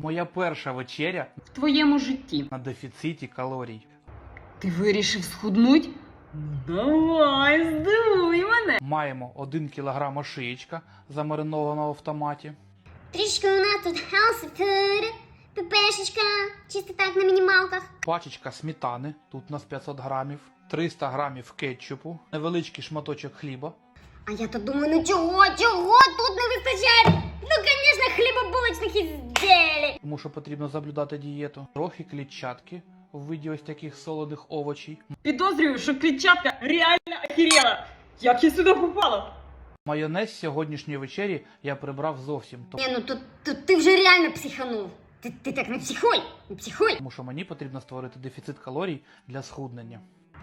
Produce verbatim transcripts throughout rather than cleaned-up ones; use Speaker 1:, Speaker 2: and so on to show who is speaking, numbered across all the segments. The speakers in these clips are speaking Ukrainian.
Speaker 1: Моя перша вечеря
Speaker 2: В твоєму житті.
Speaker 1: на дефіциті калорій.
Speaker 2: Ти вирішив схуднуть? Давай, здивуй мене.
Speaker 1: Маємо один кілограм ошиєчка, замаринованого в томаті.
Speaker 3: Трішки у нас тут healthy food, пепешечка, чисто так на мінімалках.
Speaker 1: Пачечка сметани, тут у нас п'ятсот грамів. триста грамів кетчупу. Невеличкий шматочок хліба.
Speaker 3: А я то думаю, ну чого, чого тут не вистачає? Ну, звісно, хлібобулочних ізделій.
Speaker 1: Тому що потрібно соблюдати дієту. Трохи клітчатки в виді ось таких солоних овочей.
Speaker 2: Підозрюю, що клітчатка реально охерела. Як я сюди попала?
Speaker 1: Майонез з сьогоднішньої вечері я прибрав зовсім.
Speaker 3: Ні, ну тут, тут ти вже реально психанув. Ти, ти так не психуй, не психуй.
Speaker 1: Тому що мені потрібно створити дефіцит калорій для схуднення.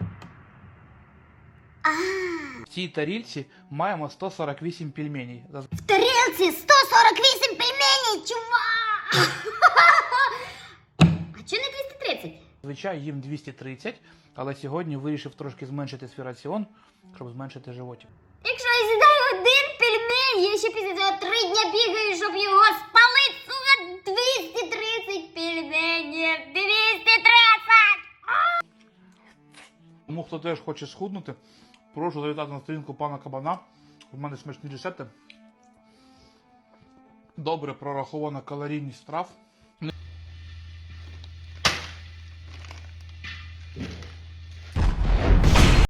Speaker 3: А,
Speaker 1: В цій тарілці маємо сто сорок вісім пельменей.
Speaker 3: в тарілці сто сорок вісім пельменей, чувак! А чого не двісті тридцять?
Speaker 1: Зазвичай їм двісті тридцять, але сьогодні вирішив трошки зменшити свій раціон, щоб зменшити животик.
Speaker 3: Якщо я з'їдаю один пельмень, я ще після цього три дня бігаю, щоб його спалити, сука, двісті тридцять пельменів, двісті тридцять!
Speaker 1: Тому хто теж хоче схуднути, прошу завітати на сторінку пана Кабана. У мене смачні рецепти. Добре прорахована калорійність страв.